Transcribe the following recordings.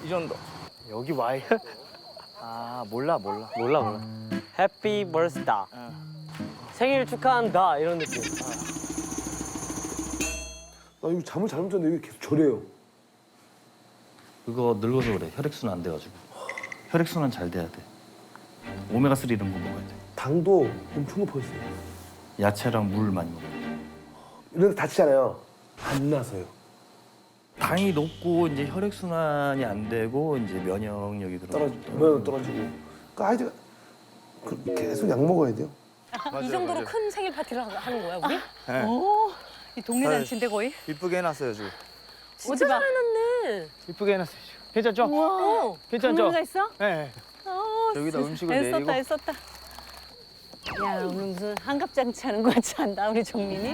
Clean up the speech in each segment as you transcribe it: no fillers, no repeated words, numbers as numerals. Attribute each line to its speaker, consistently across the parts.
Speaker 1: 이 정도.
Speaker 2: 여기 와이. 아 몰라.
Speaker 3: 해피 버스다. 생일 축하한다 이런 느낌.
Speaker 4: 나 이거 잠을 잘못 잤는데 왜 계속 저래요?
Speaker 5: 그거 늙어서 그래. 혈액순환 안 돼가지고. 혈액순환 잘 돼야 돼. 오메가3 이런 거 먹어야 돼.
Speaker 4: 당도 엄청 높아졌어요.
Speaker 5: 야채랑 물 많이 먹어야 돼.
Speaker 4: 이런데 다치잖아요. 안 나서요.
Speaker 5: 당이 높고 이제 혈액순환이 안 되고 이제 면역력이
Speaker 4: 면역 떨어지고. 그러니까 아이들 계속 약 먹어야 돼요.
Speaker 6: 이 정도로 큰 생일 파티를 하는 거야 우리?
Speaker 1: 네.
Speaker 6: 오, 이 동네 잔치인데 거의?
Speaker 1: 이쁘게 해놨어요 지금.
Speaker 6: 진짜 잘 해놨네.
Speaker 2: 이쁘게 해놨어요. 괜찮죠?
Speaker 6: 우와.
Speaker 2: 괜찮죠?
Speaker 6: 장르가 있어?
Speaker 2: 네.
Speaker 1: 여기다 음식을
Speaker 6: 애썼다
Speaker 1: 내리고.
Speaker 6: 애썼다. 야 오늘 무슨 한갑잔치 하는 거 같지 않나 우리 정민이?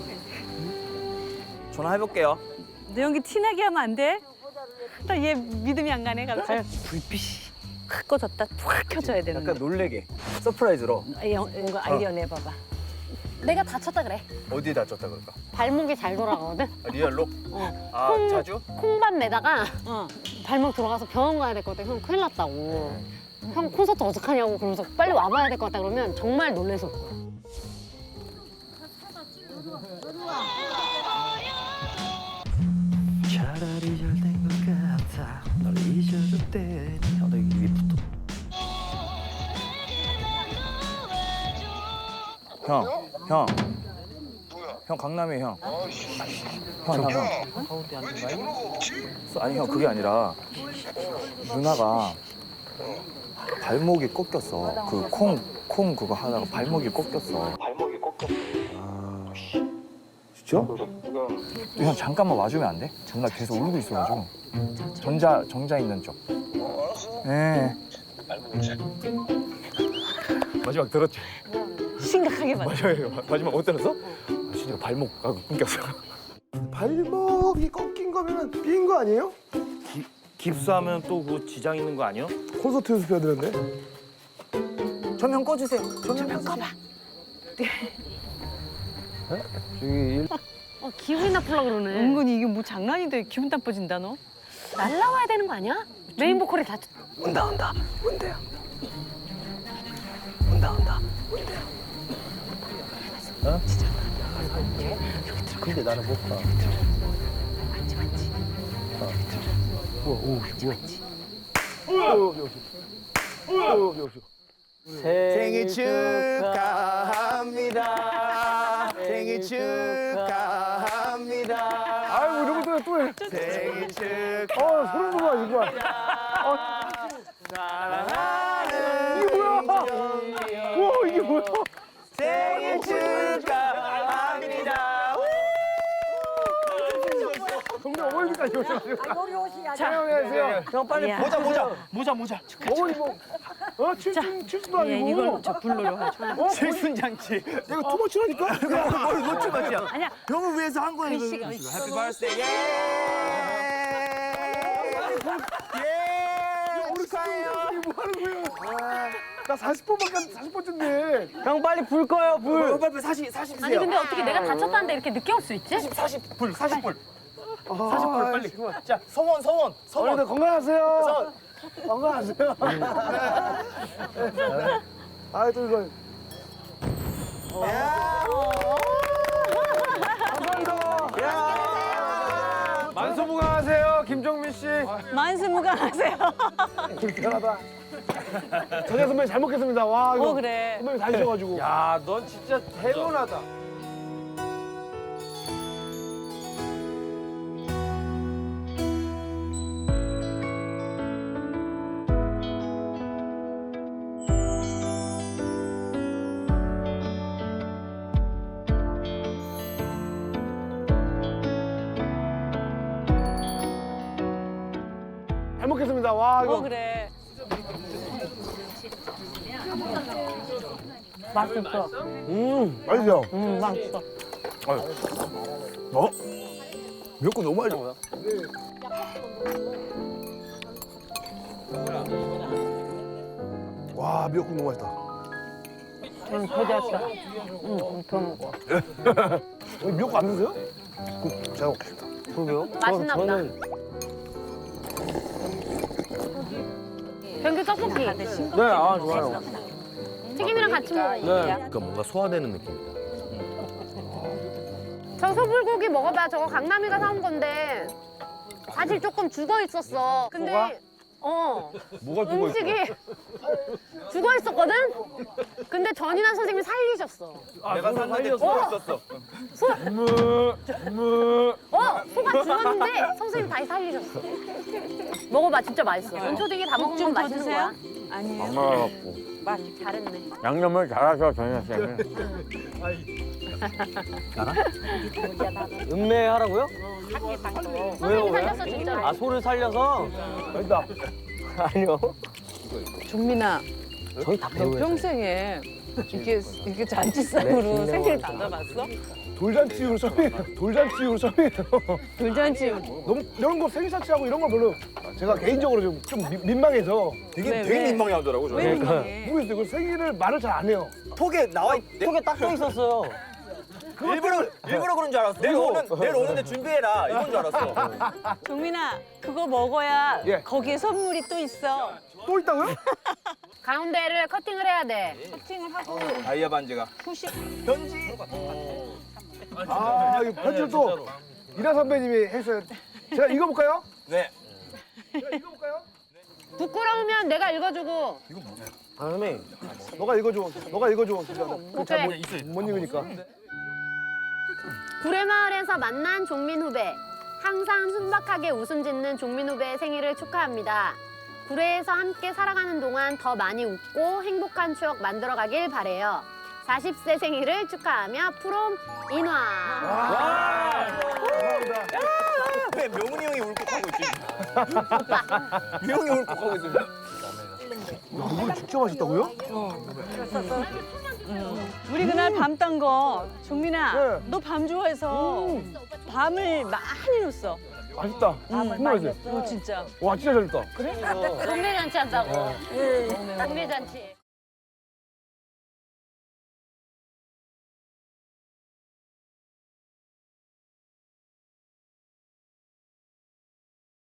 Speaker 1: 전화해볼게요.
Speaker 6: 내 연기 티나게 하면 안 돼? 나 얘 믿음이 안 가네 갑자기.
Speaker 2: 불빛이.
Speaker 6: 확 꺼졌다 확 켜져야 되는데.
Speaker 1: 약간 놀래게. 서프라이즈로.
Speaker 6: 이거 아이디어 내봐봐.
Speaker 7: 내가 다쳤다 그래.
Speaker 1: 어디에 다쳤다 그럴까?
Speaker 7: 발목이 잘 돌아가거든.
Speaker 1: 아, 리얼로? 아 자주?
Speaker 7: 콩밥 내다가 발목 들어가서 병원 가야 될 것 같아. 형 큰일 났다고. 형 콘서트 어떡하냐고 그러면서 빨리 와봐야 될 것 같다 그러면 정말 놀래서 올 거야.
Speaker 5: 차라리 잘 된 것 같아. 널 잊어줄 때. 너 여기 위부터.
Speaker 1: 형. 형 강남이에요 형. 형. 아니 형 그게 아니라 누나가 발목이 꺾였어. 그 콩 그거 하다가 발목이 꺾였어.
Speaker 4: 아, 진짜?
Speaker 1: 형 잠깐만 와주면 안 돼? 누나 계속 울고 있어가지고. 정자 있는 쪽. 네. 마지막 들었지?
Speaker 6: 심각하게 봤어.
Speaker 1: 맞아요. 마지막 못 들었어? 아, 진짜 발목하고 끊겼어.
Speaker 4: 발목이 꺾인 거면 삔 거 아니에요?
Speaker 5: 깁스하면 또 그 지장 있는 거 아니야?
Speaker 4: 콘서트 연습해야 되는데.
Speaker 1: 조명 꺼주세요. 조명 꺼봐. 저기
Speaker 7: 기분이 나쁘려고 그러네.
Speaker 6: 은근히 이게 뭐 장난인데 기분 나빠진다 너.
Speaker 7: 날라와야 되는 거 아니야? 메인 보컬이 다
Speaker 4: 온다. 온대요.
Speaker 2: 근데 나는 못 봐. 생일 축하합니다. 생일 축하합니다.
Speaker 4: 아이고 이런 것도 또 해.
Speaker 2: 생일 축하.
Speaker 4: 소름 돋아 이거.
Speaker 2: 사랑하는
Speaker 4: 이게 뭐야? 우와 이게 뭐야?
Speaker 2: 생일 축하합니다.
Speaker 4: 동네 어머니까지 오셔가지고. 안녕하세요.
Speaker 2: 형 빨리
Speaker 6: 야.
Speaker 2: 모자.
Speaker 4: 어머니 뭐? 칠순도
Speaker 6: 예,
Speaker 4: 아니고.
Speaker 6: 이걸 저 불러로 하죠.
Speaker 2: 칠순장치.
Speaker 4: 내가 투머치라니까.
Speaker 2: 뭘 놓치마지야.
Speaker 6: 아니야.
Speaker 2: 형을 위해서 한 거야 이거.
Speaker 6: 글씨가
Speaker 2: 해피
Speaker 6: 있어.
Speaker 2: 버스데이. 예.
Speaker 4: 우리 축하해요. 뭐 하는 거예요? 나 40번밖에 40번째인데.
Speaker 2: 형 빨리 불 꺼요 불.
Speaker 1: 빨리 40
Speaker 7: 아니
Speaker 1: 주세요.
Speaker 7: 근데 어떻게 내가 다쳤다는데 이렇게 늦게 올 수 있지?
Speaker 1: 40불 40불.
Speaker 4: 40분
Speaker 1: 빨리. 자 서원.
Speaker 4: 어머니들 건강하세요. 건강하세요. 아이고 이거. 감사합니다.
Speaker 2: 만수무강하세요 김정민 씨.
Speaker 6: 만수무강하세요.
Speaker 4: 미안하다. 전현 선배님 잘 먹겠습니다. 와 이거
Speaker 6: 그래.
Speaker 4: 선배님 다 드셔가지고.
Speaker 2: 야, 넌 진짜 행운하다.
Speaker 4: 잘 먹겠습니다. 와 이거.
Speaker 6: 그래.
Speaker 7: 맛있어.
Speaker 4: 맛있죠?
Speaker 7: 맛있어.
Speaker 1: 미역국 너무 맛있어.
Speaker 4: 와 미역국 너무 맛있다.
Speaker 7: 배웠다.
Speaker 4: 여기 미역국 안 드세요? 그 제가 먹겠습니다.
Speaker 2: 그러게요.
Speaker 7: 맛있나 보다.
Speaker 2: 저는
Speaker 7: 변기 떡볶이.
Speaker 2: 네, 아 좋아요.
Speaker 7: 튀김이랑 같이 먹어.
Speaker 2: 네.
Speaker 8: 그러니까 뭔가 소화되는 느낌이다.
Speaker 7: 저 소불고기 먹어봐. 저거 강남이가 사온 건데 사실 조금 죽어 있었어. 근데
Speaker 2: 뭐가?
Speaker 4: 뭐가
Speaker 7: 음식이 죽어 있었거든? 근데 전인환 선생님이 살리셨어.
Speaker 2: 내가 샀는데 죽었었어.
Speaker 7: 소가 죽었는데 선생님이 다시 살리셨어. 먹어봐, 진짜 맛있어. 연초등이 다 먹으면
Speaker 6: 좀 더
Speaker 7: 맛있는
Speaker 6: 드세요?
Speaker 7: 거야.
Speaker 6: 아니에요.
Speaker 2: 안 먹어갖고.
Speaker 7: 잘했네.
Speaker 2: 양념을 잘하셔 정현 쌤이.
Speaker 3: 음매하라고요?
Speaker 7: 선생님이 살렸어, 진짜로.
Speaker 3: 아 소를 살려서?
Speaker 2: 됐다.
Speaker 3: 아니요.
Speaker 6: 종민아,
Speaker 3: 저희 다
Speaker 6: 너
Speaker 3: 배우예요.
Speaker 6: 평생에 이렇게 잔치상으로 생일 받아봤어?
Speaker 4: 돌잔치 이후로 처음이에요. 돌잔치 이후로 처음이에요.
Speaker 6: 돌잔치
Speaker 4: 너무 이런 거 생일잔치하고 이런 걸 별로 제가 개인적으로 좀 민망해서
Speaker 6: 왜,
Speaker 1: 되게
Speaker 6: 왜?
Speaker 1: 민망해하더라고
Speaker 6: 왜
Speaker 1: 저는.
Speaker 6: 민망해?
Speaker 4: 모르겠어요. 그 생일을 말을 잘 안 해요.
Speaker 1: 톡에 나와 있.
Speaker 3: 속에 딱 써 있었어요.
Speaker 1: 일부러 그런 줄 알았어. 내일 오는데 준비해라 이건 줄 알았어.
Speaker 6: 종민아, 그거 먹어야
Speaker 4: 예.
Speaker 6: 거기에 선물이 또 있어.
Speaker 4: 또 있다고요?
Speaker 7: 가운데를 커팅을 해야 돼.
Speaker 6: 커팅을 하고
Speaker 1: 다이아 반지가.
Speaker 6: 후식.
Speaker 1: 편지.
Speaker 4: 아, 이거 편지를 또 이라 선배님이 했어요. 제가 읽어볼까요?
Speaker 1: 네.
Speaker 4: 제가 읽어볼까요?
Speaker 7: 부끄러우면 내가 읽어주고.
Speaker 2: 아 선배님.
Speaker 4: 너가 읽어줘. 너가 읽어줘. 진짜.
Speaker 7: 오케이.
Speaker 4: 못 읽으니까.
Speaker 7: 구례마을에서 만난 종민 후배. 항상 순박하게 웃음 짓는 종민 후배의 생일을 축하합니다. 구례에서 함께 살아가는 동안 더 많이 웃고 행복한 추억 만들어가길 바래요. 40세 생일을 축하하며 프롬 인화.
Speaker 1: 왜 명훈이 형이 울컥하고 있지? 명훈이 울컥하고 있어.
Speaker 4: 이걸 진짜 맛있다고요?
Speaker 6: 우리 그날 밤 딴 거 종민아,
Speaker 4: 네.
Speaker 6: 너 밤 좋아해서 밤을 많이 넣었어.
Speaker 4: 맛있다. 정말 맛있어요.
Speaker 6: 너 진짜.
Speaker 4: 와, 진짜 잘했다.
Speaker 7: 동네 잔치 한다고. 동네 잔치.